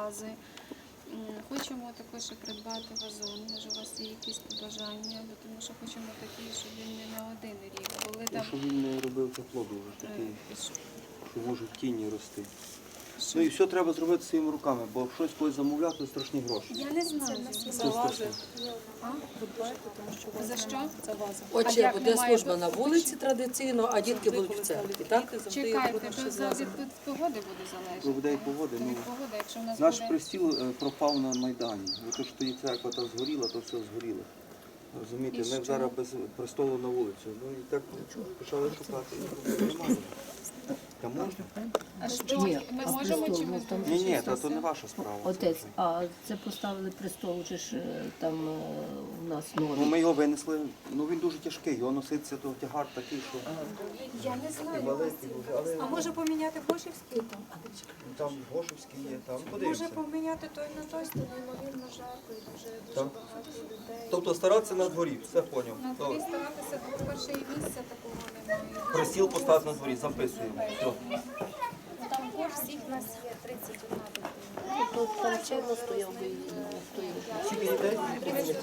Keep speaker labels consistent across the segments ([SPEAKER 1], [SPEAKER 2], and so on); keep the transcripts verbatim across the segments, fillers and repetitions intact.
[SPEAKER 1] вази. Хочемо також придбати вазон, може у вас є якісь побажання, бо тому що хочемо такий, щоб він не на один рік. Були
[SPEAKER 2] Ну,
[SPEAKER 1] там...
[SPEAKER 2] щоб він не робив тепло дуже такий,
[SPEAKER 1] е,
[SPEAKER 2] що може в тіні рости.
[SPEAKER 1] що-
[SPEAKER 2] Ну і все треба зробити своїми руками, бо щось когось замовляти, то страшні гроші.
[SPEAKER 1] Я не знаю.
[SPEAKER 3] За вази.
[SPEAKER 1] А?
[SPEAKER 3] Ви дбаєте, тому що ваза-
[SPEAKER 1] За що?
[SPEAKER 3] За вази.
[SPEAKER 1] А
[SPEAKER 4] Отже,
[SPEAKER 1] як
[SPEAKER 4] буде
[SPEAKER 1] немає
[SPEAKER 4] служба на
[SPEAKER 1] тут-
[SPEAKER 4] вулиці традиційно, а дітки
[SPEAKER 3] Завжди,
[SPEAKER 4] будуть
[SPEAKER 3] коли
[SPEAKER 4] в церкві,
[SPEAKER 3] ставлять
[SPEAKER 4] так?
[SPEAKER 3] діти, завжди є
[SPEAKER 1] Чекайте,
[SPEAKER 3] труднощі
[SPEAKER 1] то
[SPEAKER 3] з
[SPEAKER 1] за від
[SPEAKER 3] вазами.
[SPEAKER 1] від погоди буде залежати.
[SPEAKER 2] Від людей погоди,
[SPEAKER 1] Від
[SPEAKER 2] ну.
[SPEAKER 1] погоди, якщо в нас
[SPEAKER 2] Наш
[SPEAKER 1] буде...
[SPEAKER 2] пристіл е, пропав на Майдані. Бо то, що і церква та згоріла, то все згоріло. Розумієте,
[SPEAKER 1] І
[SPEAKER 2] ми
[SPEAKER 1] що?
[SPEAKER 2] зараз без престолу на вулицю. Ну і так почали шукати. і немає. Та можна?
[SPEAKER 1] А що,
[SPEAKER 5] Ні,
[SPEAKER 1] ми
[SPEAKER 5] а
[SPEAKER 1] можемо
[SPEAKER 5] престол,
[SPEAKER 1] чимось
[SPEAKER 5] ну, там
[SPEAKER 2] Ні, ні,
[SPEAKER 1] долучитися?
[SPEAKER 2] та то не ваша справа.
[SPEAKER 5] Отець, а це поставили престол, же ж е, там е, у нас
[SPEAKER 2] Ну,
[SPEAKER 5] норм.
[SPEAKER 2] ми його винесли, ну він дуже тяжкий, його носиться, то тягар такий, що
[SPEAKER 1] Я не знаю.
[SPEAKER 2] великий дуже. Але
[SPEAKER 6] А може поміняти Гошівський там?
[SPEAKER 2] там Гошевський є, там
[SPEAKER 6] Може
[SPEAKER 2] подивимося.
[SPEAKER 6] поміняти той на той, то неймовірно жарко і дуже дуже
[SPEAKER 2] Так.
[SPEAKER 6] багато людей.
[SPEAKER 2] Тобто старатися на дворі, все поняв.
[SPEAKER 1] На дворі старатися, бо перше і місця такого немає.
[SPEAKER 2] Присіл поставити на дворі, записуємо. Все.
[SPEAKER 6] Там Гош всіх нас є тридцять одна дитина.
[SPEAKER 5] Тут там чого стояв би і стояв.
[SPEAKER 2] Скільки дітей?
[SPEAKER 6] тридцять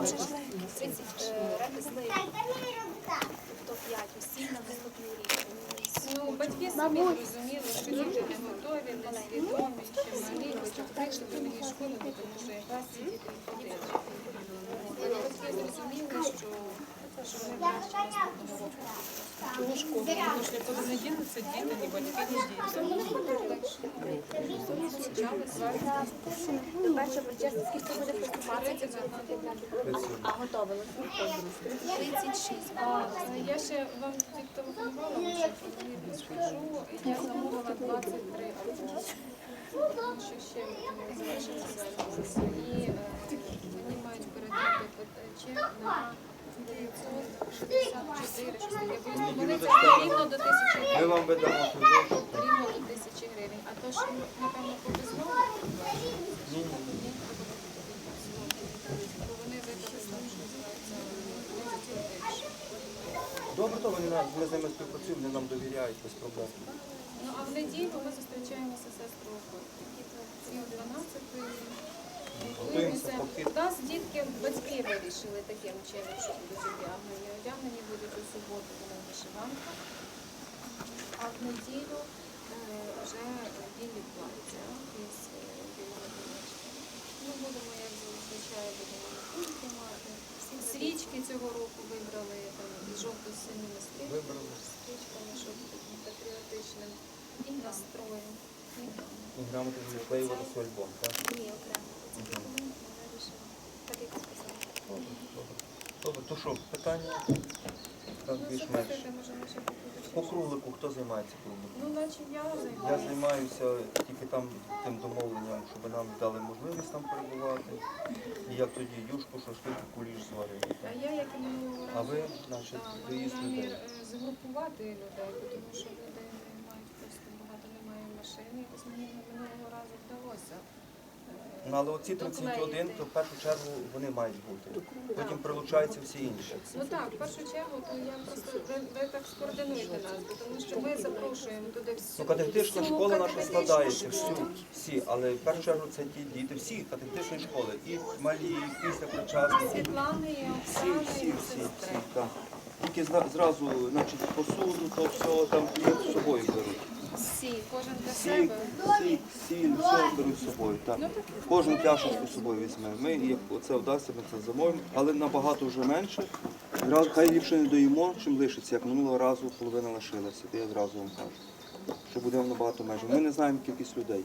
[SPEAKER 6] ремесли, тобто п'ять усі на наступний рік.
[SPEAKER 1] Ну, батьки самі розуміли, що діти не готові, не свідомі, ще малі, хоча прийшли до мені школи, тому що якраз ці діти не ходили. Але батьки зрозуміли, що що ми краще наступного року.
[SPEAKER 3] Чого шкода? Тому що нікуди не дінуться діти, ні батьки, ні діти.
[SPEAKER 6] Перше почесно, скільки буде працювати? А готовили?
[SPEAKER 1] тридцять шість. А, я ще вам тільки телефонувала, щоб вони підскажу, я замовила двадцять три автобуси. Тому що ще не залишилося. І е, мені мають передати чек на дев'ятсот шістдесят чотири, щось таке. Бо Вони це рівно до тисячі
[SPEAKER 2] Ми
[SPEAKER 1] гривень.
[SPEAKER 2] вам видамо цю гроші.
[SPEAKER 1] Рівно до тисячі гривень. А то ж, напевно, повезло.
[SPEAKER 2] Ні, ні, ні.
[SPEAKER 1] Бо вони видали там, що називається, більше.
[SPEAKER 2] Добре, то вони нас- ми з ними співпрацюємо, вони нам довіряють без проблем.
[SPEAKER 1] Ну, а в неділю ми зустрічаємося з сестрою пів дванадцятої.
[SPEAKER 2] Готуємося поки.
[SPEAKER 1] У нас дітки, батьки вирішили таким чином, що будуть одягнені. Одягнені будуть у суботу, вони в вишиванках, а в неділю е, вже білі плаття із е, білими білочками. Ну, будемо, як зазвичай, будемо на кухні мати. Свічки цього року вибрали там, із жовто-синіми стрічками,
[SPEAKER 2] Вибрали.
[SPEAKER 1] стрічками, щоб таким патріотичним і настроєм. І
[SPEAKER 2] І грамоти відклеювати свій альбом, так?
[SPEAKER 6] Ні, окремо. Це вона вирішила. Так як сказала.
[SPEAKER 2] Добре, добре. Добре, то що, питання? Так,
[SPEAKER 1] Ну,
[SPEAKER 2] більш-менш.
[SPEAKER 1] слухайте, може, ми ще покажемо.
[SPEAKER 2] По круглику хто займається кругликом?
[SPEAKER 1] Ну, наче я
[SPEAKER 2] Я
[SPEAKER 1] займаюся.
[SPEAKER 2] займаюся тільки там тим домовленням, щоб нам дали можливість там перебувати. І як тоді юшку, шашлик, куліш зварили.
[SPEAKER 1] А я, як і минулого разу,
[SPEAKER 2] А ви, значить,
[SPEAKER 1] так,
[SPEAKER 2] доїзд
[SPEAKER 1] маю намір
[SPEAKER 2] людей.
[SPEAKER 1] е, згрупувати людей, бо тому що люди не мають просто багато немає машин. Якось мені минулого разу вдалося. е,
[SPEAKER 2] Ну, але оці тридцять один, то в першу чергу вони мають бути. Потім прилучаються всі інші.
[SPEAKER 1] Ну так, в першу чергу, то я просто ви, ви так скоординуєте нас, бо тому що ми запрошуємо туди всю.
[SPEAKER 2] Ну, катехетична
[SPEAKER 1] всю
[SPEAKER 2] школа наша
[SPEAKER 1] катехетичну
[SPEAKER 2] складається,
[SPEAKER 1] школу.
[SPEAKER 2] всю, всі, але в першу чергу це ті діти, всі катехетичні школи, і малі, і після причасні,
[SPEAKER 1] Світлани, і
[SPEAKER 2] всі,
[SPEAKER 1] Оксани,
[SPEAKER 2] всі,
[SPEAKER 1] і
[SPEAKER 2] всі,
[SPEAKER 1] сестри.
[SPEAKER 2] всі, так. Тільки зра- зразу, значить, посуду, то все там і з собою беруть.
[SPEAKER 1] Всі, кожен для
[SPEAKER 2] Всі,
[SPEAKER 1] себе.
[SPEAKER 2] всі, сіль, все беруть з собою, так. Кожен пляшечку з собою візьме. Ми, як оце вдасться, ми це замовимо, але набагато вже менше. Зразу- Хай ліпше не доїмо, чим лишиться, як минулого разу половина лишилася, то я зразу вам кажу, що будемо набагато менше. Ми не знаємо кількість людей.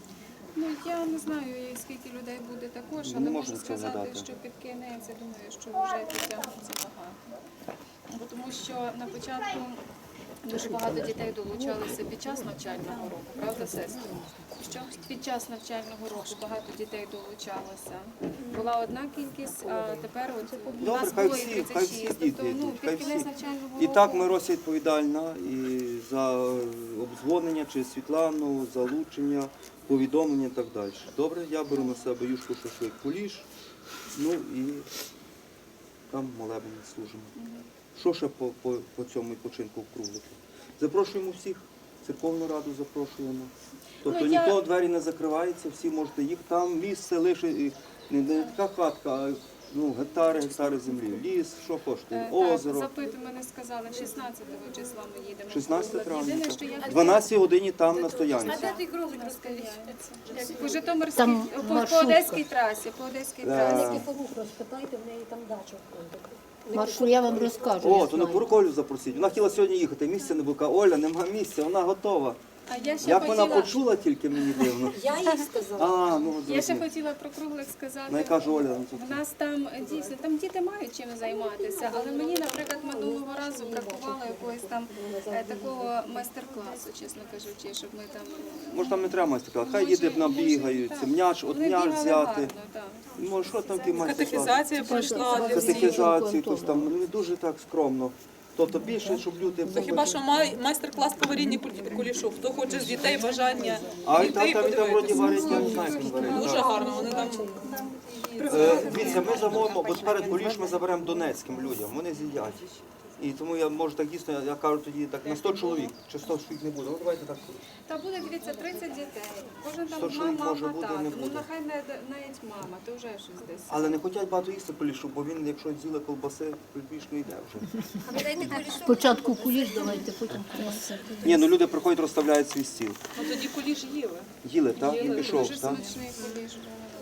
[SPEAKER 1] Ну, я не знаю, скільки людей буде також,
[SPEAKER 2] Не
[SPEAKER 1] але
[SPEAKER 2] можна
[SPEAKER 1] можу
[SPEAKER 2] це
[SPEAKER 1] сказати,
[SPEAKER 2] згадати.
[SPEAKER 1] що під кінець, я думаю, що вже підтягнеться багато. Бо тому що на початку дуже багато дітей долучалися під час навчального року, правда, сестри? Що під час навчального року багато дітей долучалося. Була одна кількість, а тепер от у
[SPEAKER 2] Добре,
[SPEAKER 1] нас
[SPEAKER 2] хай
[SPEAKER 1] було і
[SPEAKER 2] всі,
[SPEAKER 1] тридцять
[SPEAKER 2] хай
[SPEAKER 1] шість.
[SPEAKER 2] всі
[SPEAKER 1] Тобто,
[SPEAKER 2] діти
[SPEAKER 1] ну,
[SPEAKER 2] йдуть, хай
[SPEAKER 1] під кінець
[SPEAKER 2] всі.
[SPEAKER 1] навчального
[SPEAKER 2] І
[SPEAKER 1] року.
[SPEAKER 2] так ми Рося відповідальна і за обдзвонення чи Світлану, залучення, повідомлення і так далі. Добре, я беру на себе юшку, шашлик, куліш, ну і там молебень служимо. Що ще по, по, по цьому відпочинку в круглику? Запрошуємо всіх. церковну раду запрошуємо. Тобто
[SPEAKER 1] Ну, я-
[SPEAKER 2] ніхто двері не закривається, всі можете їх. Там місце лише і не, не така хатка, а ну, гектари, гектари землі. Ліс, що коштує,
[SPEAKER 1] Е,
[SPEAKER 2] озеро.
[SPEAKER 1] Так, запиту мене сказали, шістнадцятого числа ми їдемо.
[SPEAKER 2] шістнадцяте травня.
[SPEAKER 1] Єдине, що я
[SPEAKER 2] В дванадцятій годині там на стоянці.
[SPEAKER 1] той кролик розкажіть? По Житомирській,
[SPEAKER 5] Там
[SPEAKER 1] по, по
[SPEAKER 5] маршрутка.
[SPEAKER 1] Одеській трасі, по Одеській
[SPEAKER 2] Е,
[SPEAKER 1] трасі.
[SPEAKER 4] Розпитайте, в неї там дача.
[SPEAKER 5] Маршрут я вам розкажу.
[SPEAKER 2] О,
[SPEAKER 5] я
[SPEAKER 2] то на
[SPEAKER 5] знаю.
[SPEAKER 2] Курколю запросіть. Вона хотіла сьогодні їхати, місця не було. Каже, Оля, нема місця, вона готова.
[SPEAKER 1] А я ще
[SPEAKER 2] Як вона
[SPEAKER 1] хотіла,
[SPEAKER 2] почула, тільки мені дивно.
[SPEAKER 4] Я їй сказала.
[SPEAKER 2] А, ну
[SPEAKER 1] я ще
[SPEAKER 2] зрозумів.
[SPEAKER 1] хотіла про круглик сказати.
[SPEAKER 2] Ну, яка ж Оля? ну, тут-
[SPEAKER 1] В нас там е, дійсно там діти мають чим займатися, але мені, наприклад, минулого разу бракувало якогось там е, такого майстер-класу, чесно кажучи, щоб ми там
[SPEAKER 2] Може там не треба майстер-клас, хай
[SPEAKER 1] Може,
[SPEAKER 2] діти набігаються,
[SPEAKER 1] так.
[SPEAKER 2] м'яч, от
[SPEAKER 1] Вони
[SPEAKER 2] м'яч
[SPEAKER 1] бігали
[SPEAKER 2] взяти.
[SPEAKER 1] гарно, так.
[SPEAKER 2] Може, що там ті майстер-клас?
[SPEAKER 3] Катехізація пройшла для всіх.
[SPEAKER 2] Катехізацію, якось там, ну дуже так скромно. Тобто більше, щоб люди...
[SPEAKER 3] То хіба що май- майстер-клас по варінні кулі- кулішу. Хто хоче з дітей бажання
[SPEAKER 2] А і
[SPEAKER 3] дітей
[SPEAKER 2] там, там, і там вроді
[SPEAKER 3] подивитися.
[SPEAKER 2] варять, я не знаю, як він варить.
[SPEAKER 3] Дуже
[SPEAKER 2] так.
[SPEAKER 3] гарно, вони там
[SPEAKER 2] Е, Дивіться, ми замовимо, бо перед куліш ми заберемо донецьким людям, вони з'їдять. І тому я можу так дійсно, я кажу тоді так на сто чоловік, чи сто чоловік не буде. Ну давайте так.
[SPEAKER 1] Та буде, дивіться, тридцять дітей. Кожен
[SPEAKER 2] Сто
[SPEAKER 1] там
[SPEAKER 2] чоловік
[SPEAKER 1] мама,
[SPEAKER 2] може буде,
[SPEAKER 1] тато.
[SPEAKER 2] не
[SPEAKER 1] Ну
[SPEAKER 2] буде.
[SPEAKER 1] нехай не навіть мама, то вже щось десь.
[SPEAKER 2] Але не хочуть багато їсти кулішу, бо він, якщо з'їли колбаси, більш не йде вже.
[SPEAKER 5] Спочатку куліш давайте, потім куліш.
[SPEAKER 2] Ні, ну люди приходять, розставляють свій стіл.
[SPEAKER 3] ну, тоді куліш їли.
[SPEAKER 2] Їли, так? І пішов,
[SPEAKER 1] Дуже
[SPEAKER 2] так?
[SPEAKER 1] смачний куліш.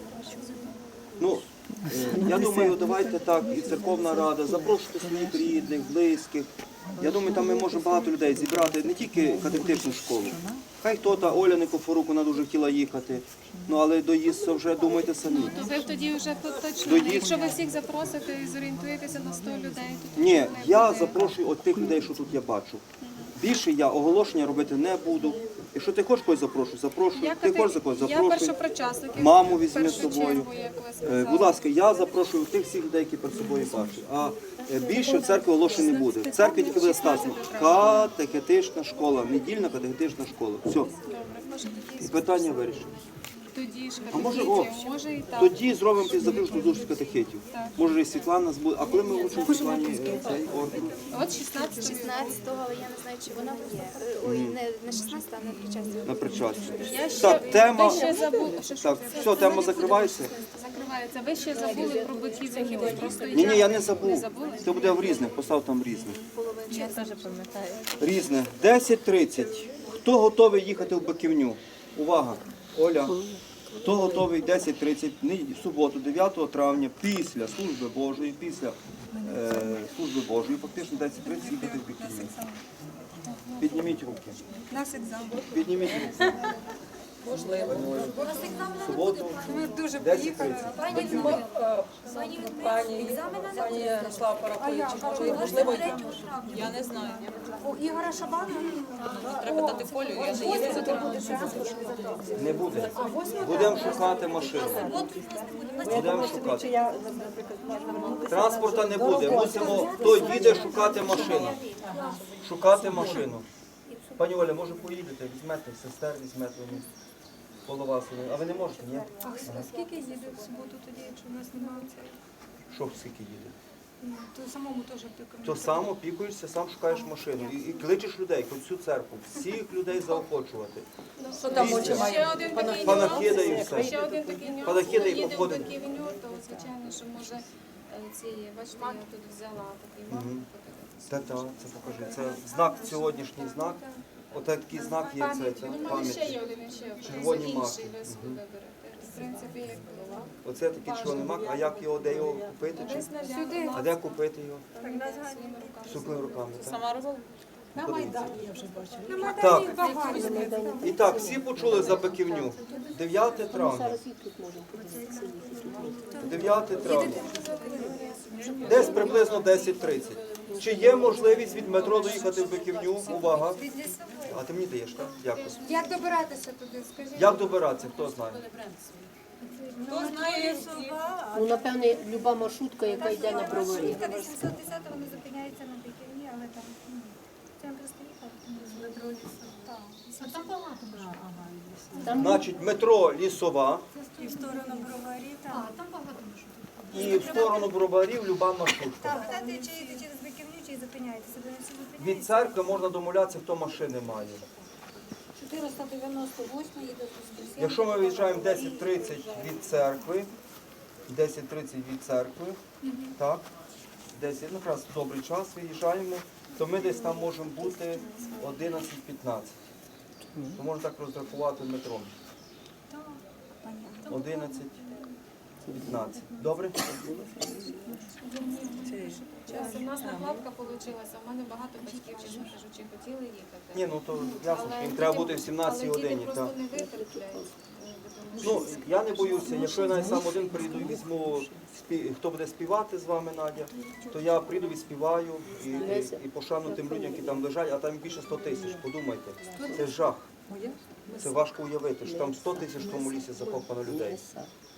[SPEAKER 2] Ну, е, я думаю, давайте так, і церковна рада, запрошуйте своїх рідних, близьких. Я думаю, там ми можемо багато людей зібрати, не тільки катехетичну школу. Хай хто та Оля Никофорук, вона дуже хотіла їхати. Ну, але доїздся вже, думайте самі.
[SPEAKER 1] То ви тоді вже точно,
[SPEAKER 2] Доїзд.
[SPEAKER 1] якщо ви всіх запросите і зорієнтуєтеся на сто людей, то
[SPEAKER 2] Ні,
[SPEAKER 1] не
[SPEAKER 2] я
[SPEAKER 1] буде.
[SPEAKER 2] запрошую от тих людей, що тут я бачу. Більше я оголошення робити не буду. Якщо ти хочеш когось запрошуй, запрошуй.
[SPEAKER 1] Я,
[SPEAKER 2] Ти
[SPEAKER 1] кати-
[SPEAKER 2] хочеш за когось,
[SPEAKER 1] я
[SPEAKER 2] запрошуй.
[SPEAKER 1] першопричасників.
[SPEAKER 2] Маму
[SPEAKER 1] в
[SPEAKER 2] візьми з
[SPEAKER 1] першу
[SPEAKER 2] собою.
[SPEAKER 1] чергу, як ви
[SPEAKER 2] Е,
[SPEAKER 1] сказали.
[SPEAKER 2] Будь ласка, я запрошую тих всіх людей, які перед собою бачу. А е, більше в церкві оголошень не буде. В церкві тільки буде сказано катехетична школа, недільна катехетична школа. Все. І питання вирішено.
[SPEAKER 1] Тоді ж
[SPEAKER 2] А може, о,
[SPEAKER 1] катехетів, може і так.
[SPEAKER 2] Тоді зробимо під закриту зустріч катехетів. Може і Світлана збуде. А коли ми вручимо Світлані е, цей орден?
[SPEAKER 1] От шістнадцятого.
[SPEAKER 6] шістнадцятого, я не знаю, чи вона є. Е, Ой, не, не шістнадцятого, а на причастя.
[SPEAKER 2] На причастя.
[SPEAKER 1] Я ще,
[SPEAKER 2] Так, тема.
[SPEAKER 1] ви ще забули, що, що
[SPEAKER 2] Так, все, тема закривається.
[SPEAKER 1] закривається. Ви ще забули про батьків. Просто
[SPEAKER 2] Ні, ні, я не забув.
[SPEAKER 1] Не забули?
[SPEAKER 2] Це буде в різних, постав там різних.
[SPEAKER 6] Я теж пам'ятаю.
[SPEAKER 2] Різне. десять тридцять. Хто готовий їхати в Биківню? Увага, Оля. Хто готовий десять тридцять, в суботу, дев'ятого травня, після служби Божої, після е, служби Божої, фактично десять тридцять їхати в Биківню. Підніміть руки.
[SPEAKER 3] Нас екзамен.
[SPEAKER 2] Підніміть руки.
[SPEAKER 3] Можливо.
[SPEAKER 2] В суботу,
[SPEAKER 3] Ми дуже
[SPEAKER 2] десять тридцять. Биківню.
[SPEAKER 3] Пані, пані Ярослава Парахович, може, можливо, я не знаю.
[SPEAKER 7] У Ігоря Шабана?
[SPEAKER 3] Треба дати Колю, я не їду за тим.
[SPEAKER 2] Не буде. Будемо шукати машину. Будемо шукати. Транспорта не буде. Мусимо, хто їде шукати машину. Шукати машину. Пані Оля, може поїдете, візьмете, сестер візьмете, вони коло вас. вони. А ви не можете, ні?
[SPEAKER 7] А скільки їде в суботу тоді, якщо в нас немає цього?
[SPEAKER 2] Що скільки їде?
[SPEAKER 7] Ну, то самому теж пікати.
[SPEAKER 2] То сам опікуєшся, сам шукаєш машину. І, і кличеш людей, хоч цю церкву, всіх людей заохочувати.
[SPEAKER 3] Що там очі
[SPEAKER 1] Ще
[SPEAKER 3] має?
[SPEAKER 1] один такий
[SPEAKER 2] Панахида і
[SPEAKER 1] нюанс.
[SPEAKER 2] все.
[SPEAKER 1] Ще один такий нюанс.
[SPEAKER 2] Панахида і
[SPEAKER 1] Коли їде в
[SPEAKER 2] походимо.
[SPEAKER 1] Биківню, то звичайно, що може е, ці, бачите, я тут взяла такий мак.
[SPEAKER 2] Так, так, це покажи. Це знак, сьогоднішній знак. Отакий знак є, це, це
[SPEAKER 1] Ну, в мене ще є
[SPEAKER 2] пам'ять.
[SPEAKER 1] один ще один.
[SPEAKER 2] Червоні
[SPEAKER 1] Інший
[SPEAKER 2] маки.
[SPEAKER 1] ви собі виберете. В принципі, як було.
[SPEAKER 2] Оце такий червоний мак, а як його, де його купити? Чи?
[SPEAKER 7] Сюди.
[SPEAKER 2] А де купити його?
[SPEAKER 1] Своїми руками.
[SPEAKER 2] Сукними руками. Так?
[SPEAKER 3] Сама робила?
[SPEAKER 7] На Майдані я вже бачила. На
[SPEAKER 2] Так.
[SPEAKER 7] Майдані багато.
[SPEAKER 2] І так, всі почули за Биківню. дев'яте травня.
[SPEAKER 5] Зараз і тут можемо подивитися.
[SPEAKER 2] дев'яте травня. Десь приблизно десять тридцять. Чи є можливість від метро доїхати в Биківню? Увага. А ти мені даєш, так? Дякую.
[SPEAKER 7] Як добиратися туди, скажіть?
[SPEAKER 2] Як добиратися, хто знає?
[SPEAKER 3] Хто знає,
[SPEAKER 5] Ну, напевне, люба маршрутка, яка йде на броварі.
[SPEAKER 7] вісімсот десять вони зупиняються на Биківні, але там, ну, це просто їхати. А там багато вже.
[SPEAKER 5] Там
[SPEAKER 2] Значить, метро Лісова
[SPEAKER 7] І в сторону броварі, так. Там багато
[SPEAKER 2] і в сторону Броварів люба маршрутка.
[SPEAKER 7] Так, питати, чи їдете через Биківню, чи зупиняєтеся, бо не всі
[SPEAKER 2] Від
[SPEAKER 7] зупиняються.
[SPEAKER 2] церкви можна домовлятися, хто машини має.
[SPEAKER 7] чотириста дев'яносто восьмий і до Воскресенья.
[SPEAKER 2] Якщо ми виїжджаємо десять тридцять від церкви, десять тридцять від церкви, так, десять, ну, якраз добрий час виїжджаємо, то ми десь там можемо бути одинадцять п'ятнадцять. То можна так розрахувати метром. одинадцять п'ятнадцять. Добре?
[SPEAKER 1] Час у нас накладка вийшла, у мене багато батьків, чесно кажучи, хотіли їхати.
[SPEAKER 2] Ні, ну то ясно, що їм треба бути в сімнадцятій
[SPEAKER 1] але
[SPEAKER 2] годині.
[SPEAKER 1] діти просто
[SPEAKER 2] Так.
[SPEAKER 1] не витерплять.
[SPEAKER 2] Ну, я не боюся, якщо я навіть сам один прийду і візьму, спі- хто буде співати з вами, Надя, то я прийду, відспіваю і, і, і пошану тим людям, які там лежать, а там більше сто тисяч, подумайте. Це жах. Це важко уявити, що там сто тисяч в тому лісі закопано людей.
[SPEAKER 5] Ліса.